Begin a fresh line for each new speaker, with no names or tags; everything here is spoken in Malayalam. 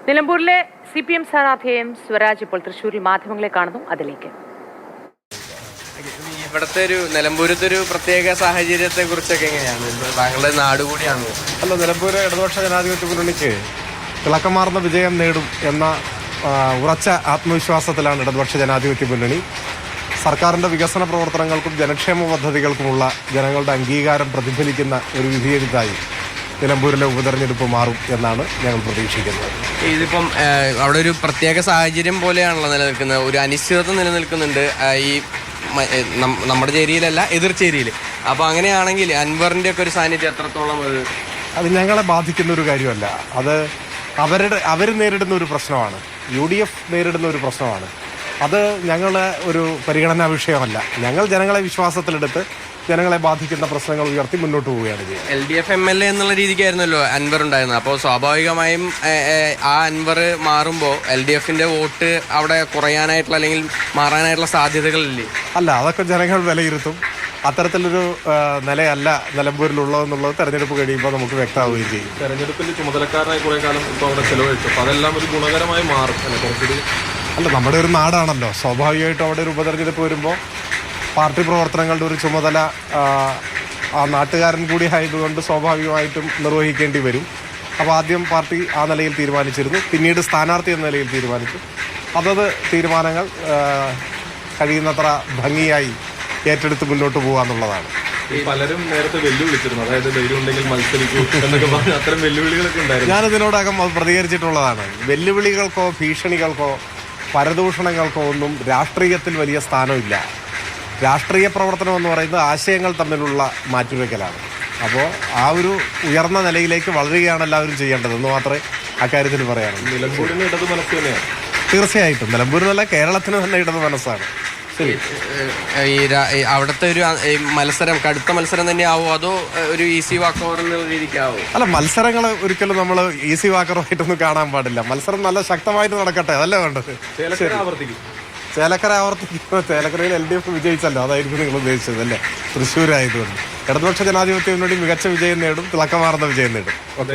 നിലമ്പൂരിലെ CPM സ്ഥാനാർത്ഥിയും സ്വരാജ് ഇപ്പോൾ തൃശ്ശൂരിൽ മാധ്യമങ്ങളെ കാണുന്നു. അതിലേക്ക്
ഇവിടുത്തെ ഒരു നിലമ്പൂരത്തെ ഒരു പ്രത്യേക സാഹചര്യത്തെ കുറിച്ചൊക്കെ എങ്ങനെയാണ്? താങ്കളുടെ നാട് കൂടിയാണ്.
അല്ല, നിലമ്പൂര് ഇടതുപക്ഷ ജനാധിപത്യ മുന്നണിക്ക് തിളക്കമാർന്ന വിജയം നേടും എന്ന ഉറച്ച ആത്മവിശ്വാസത്തിലാണ് ഇടതുപക്ഷ ജനാധിപത്യ മുന്നണി. സർക്കാരിൻ്റെ വികസന പ്രവർത്തനങ്ങൾക്കും ജനക്ഷേമ പദ്ധതികൾക്കുമുള്ള ജനങ്ങളുടെ അംഗീകാരം പ്രതിഫലിക്കുന്ന ഒരു വിധിയെഴുത്തായി നിലമ്പൂരിലെ ഉപതെരഞ്ഞെടുപ്പ് മാറും എന്നാണ് ഞങ്ങൾ പ്രതീക്ഷിക്കുന്നത്.
ഇതിപ്പം അവിടെ ഒരു പ്രത്യേക സാഹചര്യം പോലെയാണല്ലോ നിലനിൽക്കുന്നത്. ഒരു അനിശ്ചിതത്വം നിലനിൽക്കുന്നുണ്ട് ഈ നമ്മുടെ ചേരിയിലല്ല, എതിർ ചേരിയിൽ. അപ്പോൾ അങ്ങനെയാണെങ്കിൽ അൻവറിൻ്റെ ഒക്കെ ഒരു സാന്നിധ്യം എത്രത്തോളം
അത് ഞങ്ങളെ ബാധിക്കുന്ന ഒരു കാര്യമല്ല. അത് അവർ നേരിടുന്ന ഒരു പ്രശ്നമാണ്, UDF നേരിടുന്ന ഒരു പ്രശ്നമാണ്. അത് ഞങ്ങളെ ഒരു പരിഗണനാ വിഷയമല്ല. ഞങ്ങൾ ജനങ്ങളെ വിശ്വാസത്തിലെടുത്ത് ജനങ്ങളെ ബാധിക്കുന്ന പ്രശ്നങ്ങൾ ഉയർത്തി മുന്നോട്ട് പോവുകയാണ് ചെയ്യുന്നത്.
LDF MLA എന്നുള്ള രീതിക്കായിരുന്നല്ലോ അൻവർ ഉണ്ടായിരുന്നത്. അപ്പോൾ സ്വാഭാവികമായും ആ അൻവർ മാറുമ്പോൾ LDFന്റെ വോട്ട് അവിടെ കുറയാനായിട്ടുള്ള അല്ലെങ്കിൽ മാറാനായിട്ടുള്ള സാധ്യതകളില്ലേ?
അല്ല, അതൊക്കെ ജനങ്ങൾ വിലയിരുത്തും. അത്തരത്തിലൊരു നിലയല്ല നിലമ്പൂരിലുള്ളതെന്നുള്ളത് തെരഞ്ഞെടുപ്പ് കഴിയുമ്പോൾ നമുക്ക് വ്യക്തമാവുകയും ചെയ്യും.
തെരഞ്ഞെടുപ്പിന്റെ ചുമതലക്കാരനായി കുറെ കാലം ഇപ്പോൾ അവിടെ ചെലവഴിച്ചു. അപ്പോൾ അതെല്ലാം ഒരു ഗുണകരമായി മാറും അല്ലെ? കുറച്ചുകൂടി
അല്ല, നമ്മുടെ ഒരു നാടാണല്ലോ. സ്വാഭാവികമായിട്ടും അവിടെ ഒരു ഉപതെരഞ്ഞെടുപ്പ് വരുമ്പോൾ പാർട്ടി പ്രവർത്തനങ്ങളുടെ ഒരു ചുമതല ആ നാട്ടുകാരൻ കൂടി ആയതുകൊണ്ട് സ്വാഭാവികമായിട്ടും നിർവഹിക്കേണ്ടി വരും. അപ്പോൾ ആദ്യം പാർട്ടി ആ നിലയിൽ തീരുമാനിച്ചിരുന്നു, പിന്നീട് സ്ഥാനാർത്ഥി എന്ന നിലയിൽ തീരുമാനിച്ചു. അതത് തീരുമാനങ്ങൾ കഴിയുന്നത്ര ഭംഗിയായി ഏറ്റെടുത്ത് മുന്നോട്ട് പോകാന്നുള്ളതാണ്.
പലരും നേരത്തെ വെല്ലുവിളിച്ചിരുന്നു, അതായത് ധൈര്യം ഉണ്ടെങ്കിൽ മത്സരിക്കൂ എന്നൊക്കെ പറഞ്ഞു. അത്തരം വെല്ലുവിളികളൊക്കെ ഉണ്ടായിരുന്നു.
ഞാനിതിനോടകം അത് പ്രതികരിച്ചിട്ടുള്ളതാണ്. വെല്ലുവിളികൾക്കോ ഭീഷണികൾക്കോ പരദൂഷണങ്ങൾക്കോ ഒന്നും രാഷ്ട്രീയത്തിൽ വലിയ സ്ഥാനമില്ല. രാഷ്ട്രീയ പ്രവർത്തനം എന്ന് പറയുന്നത് ആശയങ്ങൾ തമ്മിലുള്ള മാറ്റുവെക്കലാണ്. അപ്പോൾ ആ ഒരു ഉയർന്ന നിലയിലേക്ക് വളരുകയാണ് എല്ലാവരും ചെയ്യേണ്ടതെന്ന് മാത്രമേ അക്കാര്യത്തിൽ പറയാനുള്ളൂ.
നിലമ്പൂരിന് ഇടത് മനസ്സ് തന്നെയാണ്.
തീർച്ചയായിട്ടും നിലമ്പൂരിനല്ല, കേരളത്തിന് തന്നെ ഇടത് മനസ്സാണ്. ശരി,
ഈ അവിടുത്തെ ഒരു മത്സരം കടുത്ത മത്സരം തന്നെയാവോ അതോ ഒരു ഈസി വാക്ക് ഓവർ എന്നുള്ള രീതിക്കാവോ?
അല്ല, മത്സരങ്ങൾ ഒരിക്കലും നമ്മൾ ഈസി വാക്കറായിട്ടൊന്നും കാണാൻ പാടില്ല. മത്സരം നല്ല ശക്തമായിട്ട് നടക്കട്ടെ, അതല്ലേ വേണ്ടത്. ചേലക്കര ആവർത്തിക്കുമ്പോൾ ചേലക്കരയിൽ LDF വിജയിച്ചല്ലോ, അതായിരിക്കും നിങ്ങൾ ഉദ്ദേശിച്ചത് അല്ലേ? തൃശ്ശൂരായതുകൊണ്ട് ഇടതുപക്ഷ ജനാധിപത്യ മുന്നണി മികച്ച വിജയം നേടും, തിളക്കമാർന്ന വിജയം നേടും.